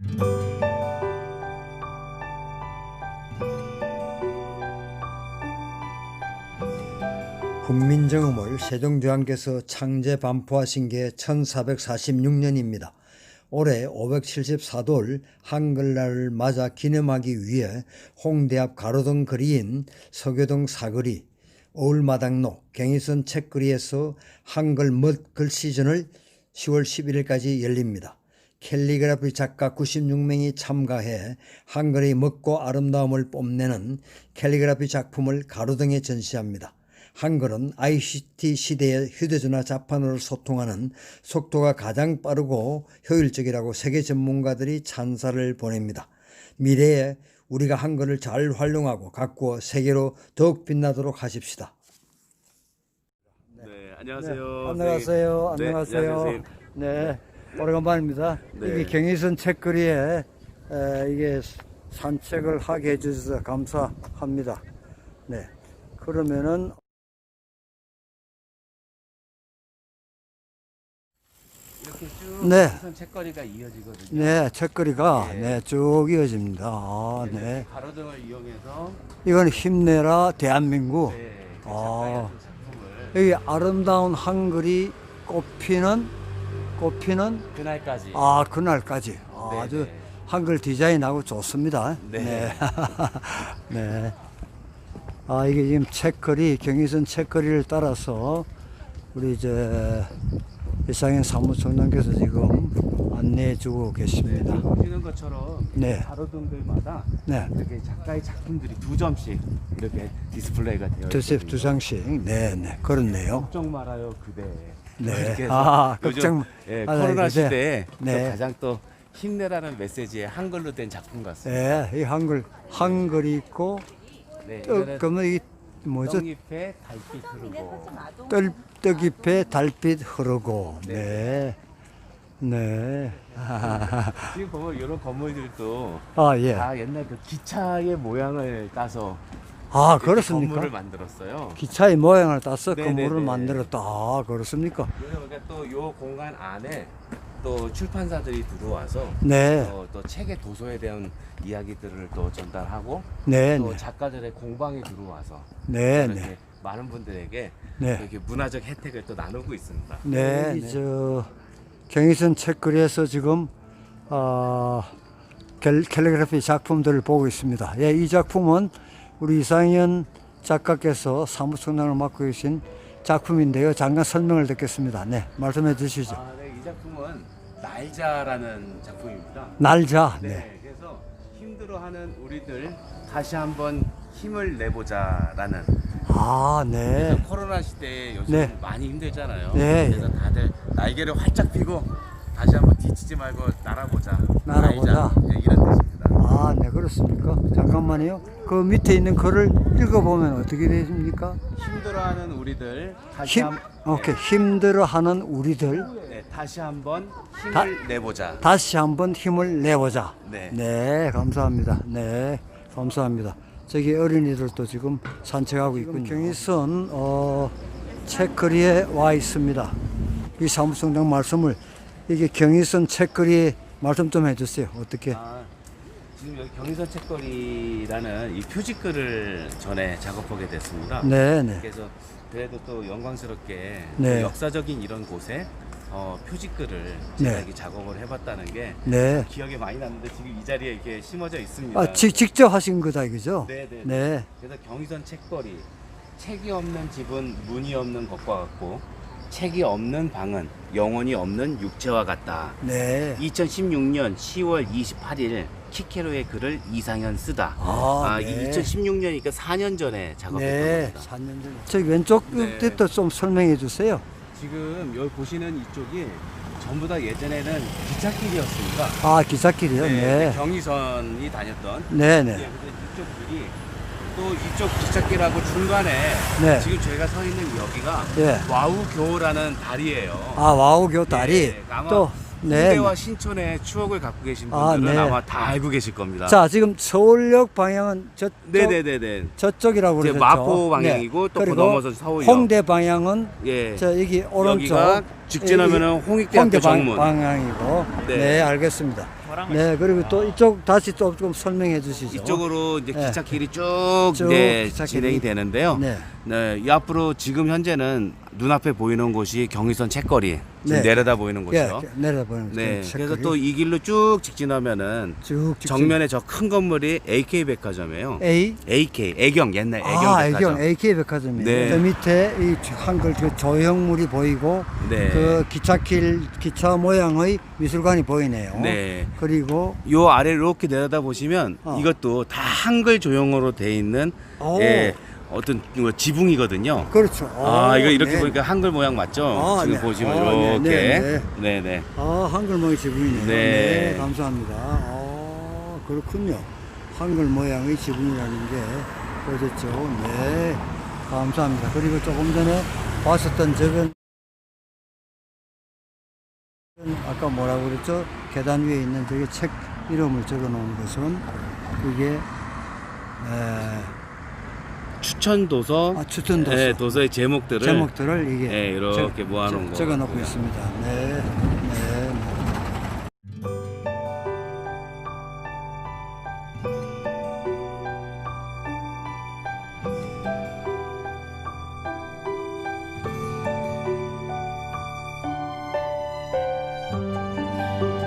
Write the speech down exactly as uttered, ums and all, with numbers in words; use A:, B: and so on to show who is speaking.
A: 훈민정음을 세종대왕께서 창제 반포하신 게 천사백사십육 년입니다. 올해 오백칠십사 돌 한글날을 맞아 기념하기 위해 홍대 앞 가로등 거리인 서교동 사거리, 어울마당로, 경의선 책거리에서 한글 멋 글시전을 시월 십일일까지 열립니다. 캘리그라피 작가 구십육 명이 참가해 한글의 멋고 아름다움을 뽐내는 캘리그라피 작품을 가로등에 전시합니다. 한글은 아이씨티 시대의 휴대전화 자판으로 소통하는 속도가 가장 빠르고 효율적이라고 세계 전문가들이 찬사를 보냅니다. 미래에 우리가 한글을 잘 활용하고 가꾸어 세계로 더욱 빛나도록 하십시다.
B: 네, 안녕하세요.
A: 네, 안녕하세요.
B: 네,
A: 안녕하세요.
B: 안녕하세요.
A: 네, 오래간만입니다.
B: 네.
A: 이게 경의선 책거리에 에, 이게 산책을 하게 해주셔서 감사합니다. 네, 그러면은
B: 이렇게 쭉
A: 네.
B: 우선 책거리가 이어지거든요.
A: 네, 책거리가
B: 네.
A: 네, 쭉 이어집니다. 아,
B: 네.
A: 네.
B: 가로등을 이용해서
A: 이건 힘내라 대한민국.
B: 네, 그
A: 아.
B: 작가의 그 작품을
A: 여기 아름다운 한글이 꽃피는 꽃피는
B: 그날까지.
A: 아 그날까지 아,
B: 네,
A: 아주
B: 네.
A: 한글 디자인하고 좋습니다.
B: 네.
A: 네. 네. 아 이게 지금 책거리 경의선 책거리를 따라서 우리 이제 이상현 사무총장께서 지금 안내해주고 계십니다.
B: 네, 보시는 것처럼
A: 네.
B: 가로등들마다
A: 네.
B: 이렇게 작가의 작품들이 두 점씩 이렇게 디스플레이가 되어
A: 두세
B: 있거든요.
A: 두 장씩. 네, 네, 그렇네요.
B: 걱정 말아요 그대.
A: 네.
B: 이렇게 해서
A: 아,
B: 요즘,
A: 걱정
B: 예,
A: 말아요,
B: 코로나
A: 그대.
B: 시대에
A: 네.
B: 또 가장 또 힘내라는 메시지의 한글로 된 작품 같습니다.
A: 네, 이 한글 한글이 있고
B: 네,
A: 또
B: 이거는
A: 그러면 이 뭐죠?
B: 떡잎에 달빛 흐르고.
A: 떨, 떡잎에 달빛 흐르고. 네. 네.
B: 지금 보면 이런 건물들도
A: 아, 예.
B: 다 옛날 그 기차의 모양을 따서
A: 아,
B: 이렇게
A: 그렇습니까?
B: 건물을 만들었어요.
A: 기차의 모양을 따서
B: 네네네.
A: 건물을 만들었다. 아, 그렇습니까?
B: 그래서 우리가 또 이 공간 안에 또 출판사들이 들어와서
A: 네.
B: 어, 또 책의 도서에 대한 이야기들을 또 전달하고
A: 네,
B: 또
A: 네.
B: 작가들의 공방에 들어와서
A: 네,
B: 이렇게
A: 네.
B: 많은 분들에게
A: 네.
B: 이렇게 문화적 혜택을 또 나누고 있습니다.
A: 네.
B: 네.
A: 저 경의선 책거리에서 지금 어, 캘, 캘리그래피 작품들을 보고 있습니다. 예, 이 작품은 우리 이상현 작가께서 사무총장을 맡고 계신 작품인데요. 잠깐 설명을 듣겠습니다. 네, 말씀해 주시죠.
B: 아, 네, 이 작품은 날자라는 작품입니다.
A: 날자.
B: 네,
A: 네.
B: 그래서 힘들어하는 우리들 다시 한번 힘을 내보자라는.
A: 아, 네.
B: 그래서 코로나 시대에 요즘
A: 네.
B: 많이 힘들잖아요.
A: 네.
B: 그래서 다들 날개를 활짝 펴고 다시 한번 뒤치지 말고 날아보자.
A: 날아보자.
B: 날자. 네, 이런 뜻입니다.
A: 아, 네, 그렇습니까? 잠깐만요. 그 밑에 있는 글을 읽어보면 어떻게 되십니까?
B: 힘들어하는 우리들 다시
A: 힘,
B: 한
A: 오케이. 힘들어하는 우리들
B: 네, 다시 한번 힘을
A: 다-
B: 내보자.
A: 다시 한번 힘을 내보자.
B: 네.
A: 네, 감사합니다. 네, 감사합니다. 저기 어린이들도 지금 산책하고 있군요. 경의선 어, 책거리에 와 있습니다. 이 사무총장 말씀을 이게 경의선 책거리 말씀 좀 해주세요. 어떻게?
B: 아, 지금 여기 경의선 책거리라는 이 표지글을 전에 작업하게 됐습니다.
A: 네, 네.
B: 그래서 그래도 또 영광스럽게
A: 네.
B: 역사적인 이런 곳에 어, 표지글을 제가
A: 네.
B: 이렇게 작업을 해봤다는 게
A: 네.
B: 기억에 많이 났는데 지금 이 자리에 이렇게 심어져 있습니다.
A: 아, 지, 직접 하신 거다, 그죠?
B: 네, 네.
A: 네.
B: 그래서 경의선 책거리, 책이 없는 집은 문이 없는 것과 같고 책이 없는 방은 영혼이 없는 육체와 같다.
A: 네.
B: 이천십육 년 시월 이십팔일 키케로의 글을 이상현 쓰다.
A: 아,
B: 아,
A: 네.
B: 이게 이천십육 년이니까 사 년 전에 작업했던
A: 네.
B: 겁니다.
A: 사 년 전. 저기 왼쪽
B: 네.
A: 끝도 좀 설명해 주세요.
B: 지금 여기 보시는 이쪽이 전부 다 예전에는 기찻길이었습니다.
A: 아, 기찻길이요? 네.
B: 경의선이 다녔던.
A: 네,
B: 예,
A: 네.
B: 근데 이쪽 길이 또 이쪽 기찻길하고 중간에
A: 네.
B: 지금 저희가 서 있는 여기가
A: 예.
B: 와우교라는 다리예요.
A: 아, 와우교 다리.
B: 예, 아마
A: 또, 네.
B: 홍대와 신촌의 추억을 갖고 계신
A: 아,
B: 분들은
A: 네.
B: 아마 다 알고 계실 겁니다.
A: 자, 지금 서울역 방향은 저쪽,
B: 네네네네.
A: 저쪽이라고
B: 이제
A: 그러죠.
B: 마포 방향이고 또 그
A: 그리고
B: 넘어서 서울역.
A: 홍대 방향은
B: 예.
A: 저 여기 오른쪽.
B: 여기가 직진하면은 홍익대학교
A: 홍대 방,
B: 정문.
A: 방향이고. 네.
B: 네.
A: 알겠습니다. 네, 그리고 또 이쪽 다시 또 좀 설명해 주시죠.
B: 이쪽으로 이제
A: 네.
B: 기찻길이 쭉,
A: 쭉
B: 네,
A: 기찻길이.
B: 진행이 되는데요.
A: 네.
B: 네, 이 앞으로 지금 현재는 눈앞에 보이는 곳이 경의선 책거리. 지금
A: 네.
B: 내려다 보이는
A: 예,
B: 곳이죠.
A: 내려보는
B: 네,
A: 그
B: 그래서
A: 책거리.
B: 또 이 길로 쭉 직진하면은
A: 쭉 직진.
B: 정면에 저 큰 건물이 에이케이 백화점이에요.
A: A
B: 에이케이, 애경, 옛날 애경
A: 아,
B: 백화점.
A: 애경 에이케이 백화점이에요.
B: 네.
A: 저 밑에 이 한글 그 조형물이 보이고
B: 네.
A: 그 기찻길 기차 모양의 미술관이 보이네요.
B: 네.
A: 그리고
B: 요 아래 이렇게 내려다 보시면
A: 어.
B: 이것도 다 한글 조형으로 돼 있는
A: 오.
B: 예, 어떤 뭐 지붕이거든요.
A: 그렇죠.
B: 아,
A: 오,
B: 이거 이렇게
A: 네.
B: 보니까 한글 모양 맞죠?
A: 아,
B: 지금
A: 네.
B: 보시면
A: 아, 네,
B: 이렇게.
A: 네, 네.
B: 네, 네.
A: 아, 한글 모양 지붕이네요.
B: 네.
A: 네, 감사합니다. 아, 그렇군요. 한글 모양의 지붕이라는 게 보셨죠? 네, 감사합니다. 그리고 조금 전에 봤었던 저건 아까 뭐라고 그랬죠? 계단 위에 있는 저게 책 이름을 적어 놓은 것은 이게 에,
B: 추천 도서,
A: 아, 추천 도서.
B: 예, 도서의 제목들을
A: 제목들을 이게
B: 예, 이렇게 모아놓은 거
A: 적어 놓고
B: 같고요.
A: 있습니다. 네.